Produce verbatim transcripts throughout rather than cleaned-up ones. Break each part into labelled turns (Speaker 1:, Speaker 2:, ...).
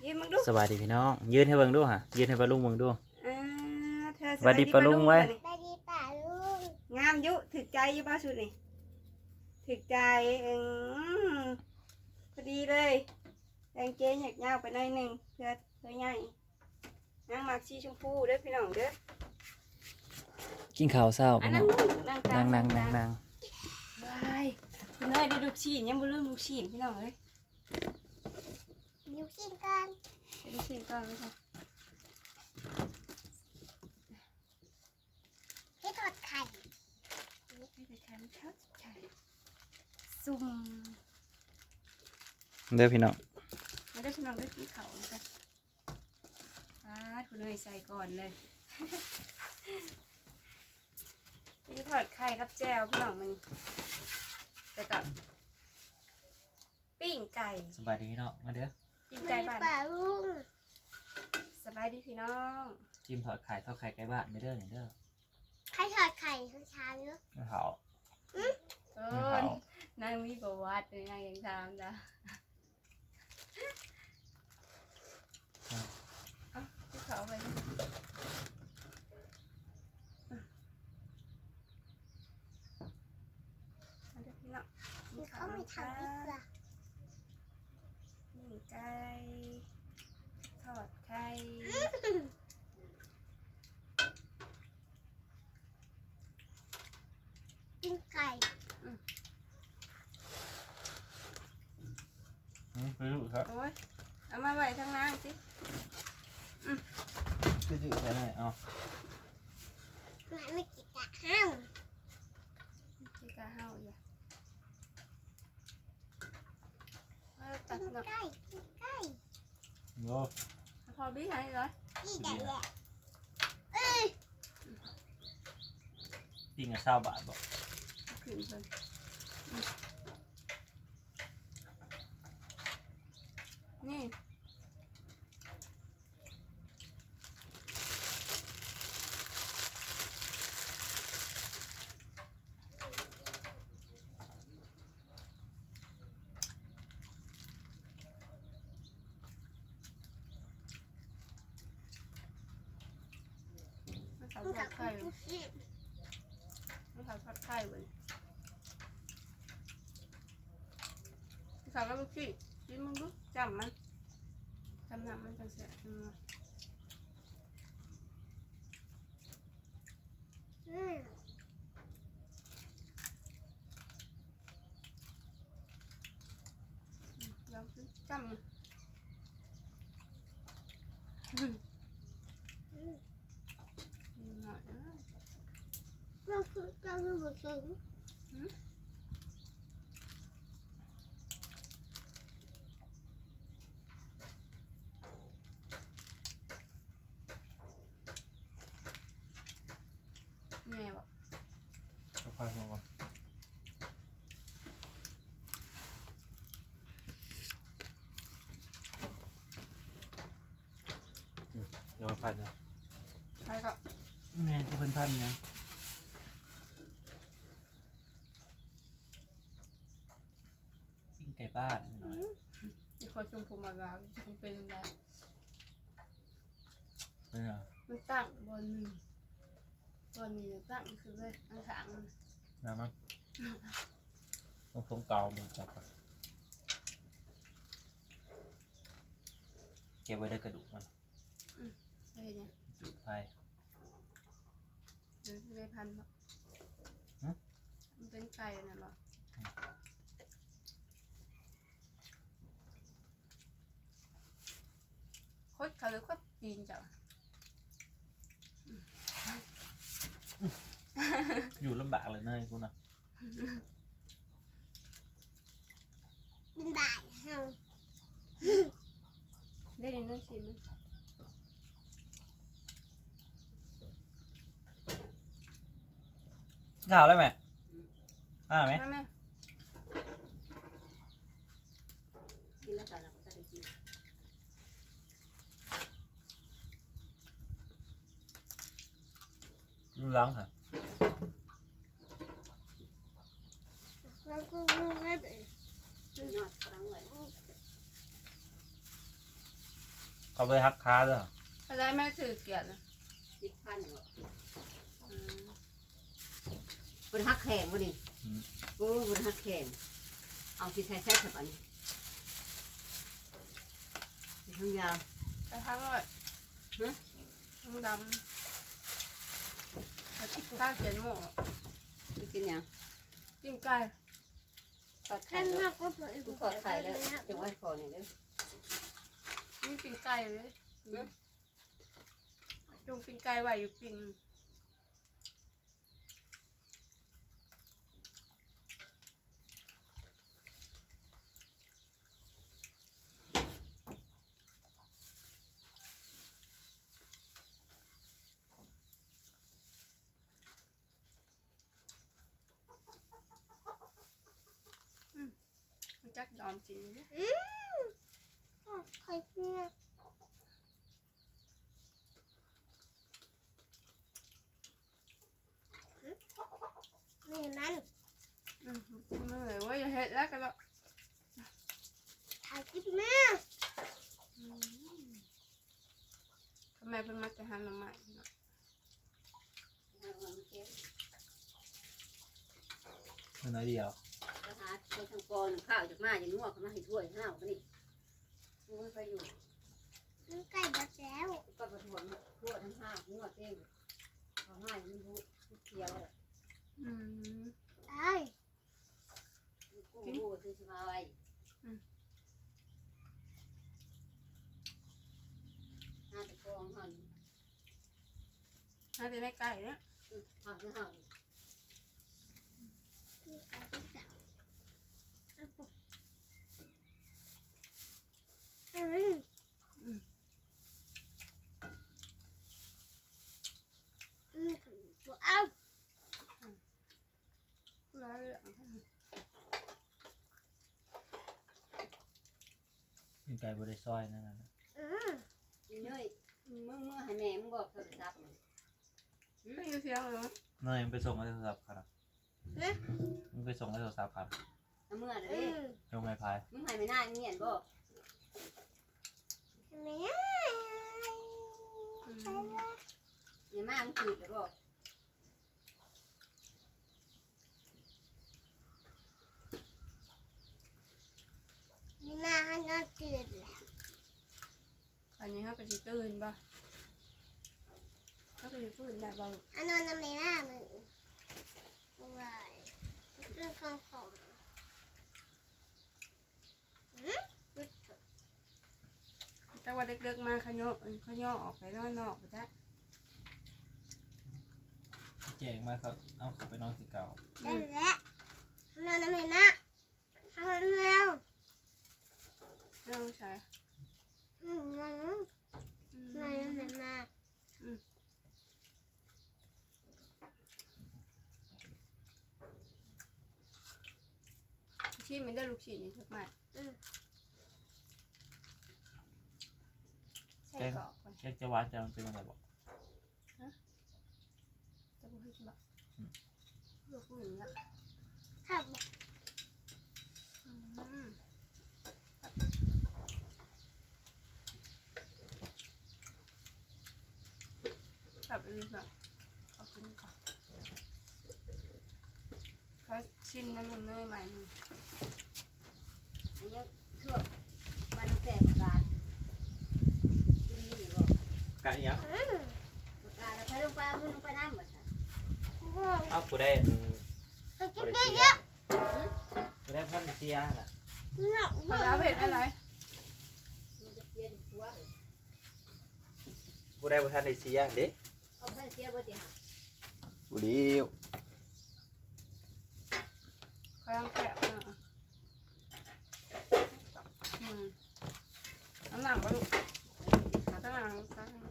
Speaker 1: ยืนมึงดู
Speaker 2: สวัสดีพี่น้องยืนให้เบิ่งดูฮะยืนให้ปลาลุงเบิ่งดู
Speaker 1: อ่าเธอ
Speaker 2: สวัสดีปะลุงไว้
Speaker 1: สวัสดีปะลุงงามยุถึกใจอยี่บ้าชุดนี่ถึกใจอืมพอดีเลยแดงเจ๊หยักยาวไปหน่อยหนึ่งเพื่อเพื่อใหญ่นางมักชีชมพูเด้อพี่น้องเด้อ
Speaker 2: กินข้าวเช้า
Speaker 1: อัน
Speaker 2: พี่
Speaker 1: นั้
Speaker 2: น้
Speaker 1: น
Speaker 2: อง
Speaker 1: นาง
Speaker 2: นั่งนั่งนั่งนั่ง
Speaker 1: บายพี่น้อยได้ลูกชิ้นยังบ่ลืมลูกชิ้นพี่น้องเอ้ย
Speaker 3: ดูชิ้นกัน
Speaker 1: ได้ลูกชิ้นก่อนเลยค่ะ
Speaker 3: ให้ทอดไข่
Speaker 1: ให้ไปทานข้าวไข่ซุ่ม
Speaker 2: เด้อพี่น้อง
Speaker 1: มาได้พี่น้องได้กินข้าวกันอ่าคุณเนยใส่ก่อนเลยนี่ทอดไข่ครับแจ่วพี่น้องมันแต่กับปิ้งไก่
Speaker 2: สบายดีพี่น้องมาเด้อ
Speaker 1: ปิ้ง
Speaker 3: ไม่
Speaker 1: ไก่บ้าน
Speaker 3: ป่าลุง
Speaker 1: สบายดีพี่น้อง
Speaker 2: จิ้มทอดไข่ทอดไข่ไก่บ้านเด้อเด้อ
Speaker 3: ให้ทอดไข่ทั้งเช้าเนอะ
Speaker 2: ไม่เผา
Speaker 1: เอ
Speaker 2: ไม่
Speaker 1: อ
Speaker 2: เผาน
Speaker 1: างมีประวัติเลยนางยังทำจ้ะเอาที่เขาไปเอาเดี๋ยวพี่น้อง
Speaker 3: มีเขาไม่ทำอีกล่ะ
Speaker 1: ปิ้งไก่ทอดไข่
Speaker 3: กินไก่
Speaker 2: ไม่รู้ครับ
Speaker 1: โอ้ยเอามาไว้ทางล่างสิ
Speaker 2: ไม่รู้ใช่ไหมเอา
Speaker 3: มันไม่กินกะห้าว
Speaker 1: ที่กะเฮาอย่าเอาตัด
Speaker 3: กิน
Speaker 1: เนาะ
Speaker 3: ไก่กินไก่
Speaker 2: โอ้
Speaker 1: พอบี้ให้เลย
Speaker 3: นี่ไก่แหละ
Speaker 2: ปิ้งกับเช้าบาทบอก
Speaker 1: ขึ้นเลยนี่มันเขา
Speaker 3: มัน
Speaker 1: ทอ
Speaker 3: กั
Speaker 1: ด
Speaker 3: บ
Speaker 1: ไข่
Speaker 3: ทุกชิ้น
Speaker 1: มันเขาทอดไข่เว้ยมันเขาแล้วลูกพี่ชิมมึงดูจำมันจำน้ำมันจังเสียอืม
Speaker 3: อืม
Speaker 1: ลองสิจำมันอืม
Speaker 3: อืม
Speaker 1: หน่อยนะ
Speaker 3: เราคือเราคือบุษง
Speaker 1: แม่บอก
Speaker 2: ค่อยๆมาเดี๋ยวพันนะ
Speaker 1: ใครก็
Speaker 2: แม่ที่เพิ่นพันนะปิ้งไก่บ้านหน่อย
Speaker 1: มีคนชมพูมาแล้วมันเป็นอะไร
Speaker 2: เป็นไง
Speaker 1: มันตั้งบนหนึ่งบนนี้ตั้งคือเลยอันขางมัน
Speaker 2: น้ำมั้งต้องทงเกามือจับก่อนเก็บไว้ได้กระดูกมัน
Speaker 1: เฮ้ยเนี่ย
Speaker 2: จุดไฟ
Speaker 1: หรือไม่พันหรอกมันเป็นไก่น่ะหรอโคตรเขาเลยโคตรปีนจ้ะ
Speaker 2: อยู่ลำบากเลยเนยกูนะ
Speaker 3: เป็นบ่ายห้าว
Speaker 1: ได้ในนั้นสิมัน
Speaker 2: ข่าวได้ไหมอ่าไหม
Speaker 1: แม่แม่
Speaker 4: กินแล้วกันเราก็จะได้กิน
Speaker 2: รู้ล้างค่ะ
Speaker 3: เราคือไม่ได้
Speaker 4: ยอดครั้งเลย
Speaker 2: เขาไปฮักค้าด้วยเหรอ
Speaker 1: อะไรแม่ถือเกียรตินะ
Speaker 4: สิบพันเหรอ
Speaker 1: อืม
Speaker 4: บนฮักแข่งบ่นี่โอ้บนฮักแข่งเอาที่ใช้ใช้สับอันนี้ทั้งยาว
Speaker 1: ไปทั้งเลยทั้งดำแล้วข้าวเขียนหมู
Speaker 4: ไปกินยัง
Speaker 1: จิ้มไก่
Speaker 4: ทอดไข่
Speaker 3: ข้างน
Speaker 4: แล้
Speaker 3: อ
Speaker 4: ว
Speaker 3: กก็เปิด
Speaker 4: กูทอดไข่แล้วจะไว้คอเนี่ยเด้อ
Speaker 1: นี่ปิ้งไก่เลยจงปิ้งไก่ไว้อยู่ปิ้ง จักดอมจริงเนี่ย
Speaker 3: อืมไข่เนื้อนี่นั่น
Speaker 1: อืมเมื่อยว่าอย่าเห็ดแล้วกันแล้ว
Speaker 3: ถ่ายคลิปแม่
Speaker 1: ทำไมเป็นมาแต่หันมาใหม่เนาะ
Speaker 2: มันน้อยเดียว
Speaker 4: ก็หาคนทางกอนข้าวจากมาอย่างนัวเขามาให้ถ้วยห้าวกันนี่กูไม่ไปอยู่
Speaker 3: มันไก่บดแล้ว
Speaker 4: ก็ไปถวนทั่วทั้งห้าวนัวเต้งเขาให้มันรู้เคี้ยวเลย
Speaker 1: อืม
Speaker 3: ตาย
Speaker 4: กูรู้ซื้อมาไว้ห้าตะกองห่อน
Speaker 1: น่าจะได้ไก่เนี่ย
Speaker 4: ห่อนห่อน
Speaker 3: มีไก่บดแล้วอืมอืมเอา
Speaker 1: ร้ายเลยอ่ะ
Speaker 2: กินไก่บริซอยนั่นน่ะ
Speaker 3: อืม
Speaker 4: นี่เนยมึงมึงให้แม่มึงบอกโทรศัพท์
Speaker 1: ไม่อยู่เสียงเหรอ
Speaker 2: เนยมันไปส่งให้โทรศัพท์ครับมันไปส่งให้โทรศัพท์ครับ
Speaker 4: น้ำเมื่อเล
Speaker 3: อื
Speaker 4: ย
Speaker 3: ม
Speaker 2: ลงไม้พาย
Speaker 4: มึงให้ไม่น่าเงียบบอก
Speaker 3: แม่
Speaker 1: อืม
Speaker 4: อย่ามามึงขีดเลยบอก
Speaker 3: นี่น่าให้นอนตื่นแล้ว
Speaker 1: อันนี้เขาก็จะตื่นป่ะเขาก็จะตื่นได้บ่า
Speaker 3: อันนอนน้ำในหน้ามึงว้ายเรื่องของของอืม
Speaker 1: แต่ว่าเด็กๆมาขย่อขย่อออกไปนอกนอกไปจ้ะ
Speaker 2: เจ๋งมากครับเอาไปนอนสีเก่า
Speaker 3: ได้แล้วนอนน้ำในหน้าทำเร็ว
Speaker 1: เรื่องใช่
Speaker 3: อืมนอนนอนน้ำในหน้า
Speaker 1: ที่มันได้ลูกชิ้นนี่ทุกมากใช่กรอกก่อน
Speaker 2: แค่จะวัดจะมันเป็นยังไงบอก
Speaker 1: จะพูดให้ชิบะลูกผู้หญิงละ
Speaker 3: ถ้า
Speaker 1: อืมแบบนี้แบบขอบคุณค่ะเขาชิมน้ำมันเนยใหม่หนึ่ง
Speaker 4: อันนี้ทั่วมันแสบกาดนี่บอก
Speaker 2: ไก่ยัง
Speaker 3: อืม
Speaker 4: กาดใช้ลงไปมึงลงไปน้ำหมด
Speaker 2: เอากูได้
Speaker 3: ไปกิ
Speaker 2: บ
Speaker 3: น
Speaker 2: ริ
Speaker 3: เย
Speaker 2: เซีย
Speaker 3: อะ
Speaker 2: กูได้พันเซียน่ะ
Speaker 3: ๆเนาะ
Speaker 1: มะนาวเผ็ดอะไร
Speaker 4: มันจะเปลี่ยนหัว
Speaker 2: กูได้พันเซียเด็ก
Speaker 4: เอาไปเสียบ่ติหา
Speaker 2: กูดีว
Speaker 1: กำลังแกะอ่ะอืมน้ำหนักปะลูกน้ำหนักน้ำหนัก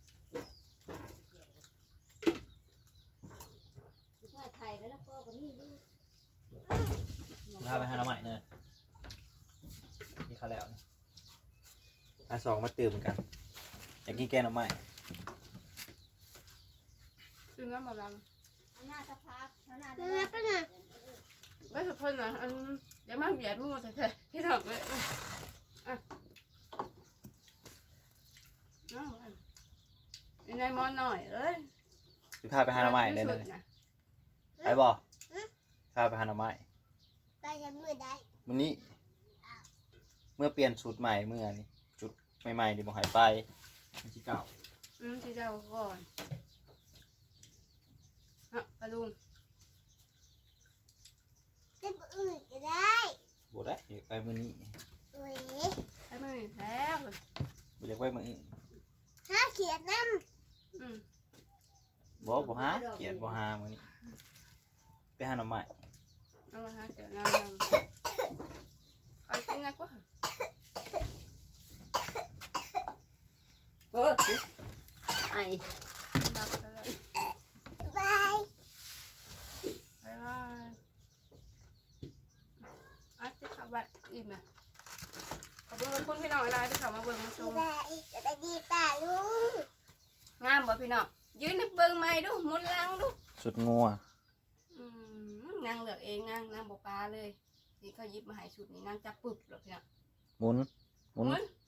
Speaker 4: ไข่แล้วก็ก็มีนี่
Speaker 2: พาไปหาเราใหม่เนยนี่เขาแล้วนะอาสองมาตื่นเหมือนกันอยากกินแกงหน่อไม้
Speaker 1: ซื้อน้ำมะนาว
Speaker 4: หน้าสภาพหน้า
Speaker 3: เนื้อปะเนี่ย
Speaker 1: ไม่สุดทนนะอันเดี๋ยวมาเบียดมือแต่ที่ถอดเลยน้องอันในมอนหน่อยเอ้ย
Speaker 2: สิพาไปหาหน่อไม้ได้เลย
Speaker 1: นะ
Speaker 2: ไปบ่พาไปหาหน่อไม้
Speaker 3: ไปยังมือได้
Speaker 2: มื้อนี้ เมื่อเปลี่ยนชุดใหม่เมื่อนี้ชุดใหม่ๆดิบ่หายไปมันสิเก่า
Speaker 1: อืมที่เจ้าก่อนอ่ะปลาลุง
Speaker 3: จะไปอื่นก็ได้
Speaker 2: บ่ได้อยากไปมื้อนี้
Speaker 3: โอ้ย
Speaker 1: ให้มันแล้ว
Speaker 2: บ่อยากไปมื้ออื่น
Speaker 3: ห้าเขียนน้
Speaker 1: อืม
Speaker 2: บ่บ่หาเกลียดบ่หามื้อนี้ไปหาหน่อไม้
Speaker 1: เอามาหาเจอน้ำยังเอากินนะกว่าเออ
Speaker 4: ไอ้
Speaker 1: ดับไปเลย
Speaker 3: ำบาย
Speaker 1: ไปเลยอ่ะที่ขับบัตรอิ่มไหมขอบคุณขอบคุณพี่น้องอะไรที่เข้ามาเบิ่งมาชม
Speaker 3: บายจะได้ดีป่าลุง
Speaker 1: งามบ่พี่น้องยืนนึกเบิ่งใหม่ดูหมุนหลังดู
Speaker 2: ชุดงัว
Speaker 1: อืมนางเลือกเองนางนางบ่ปลาเลยนี่เขาหยิบมาให้ชุดนี้นางจับปึบหรอกพี่น้อง
Speaker 2: หมุนหมุน
Speaker 1: หมุน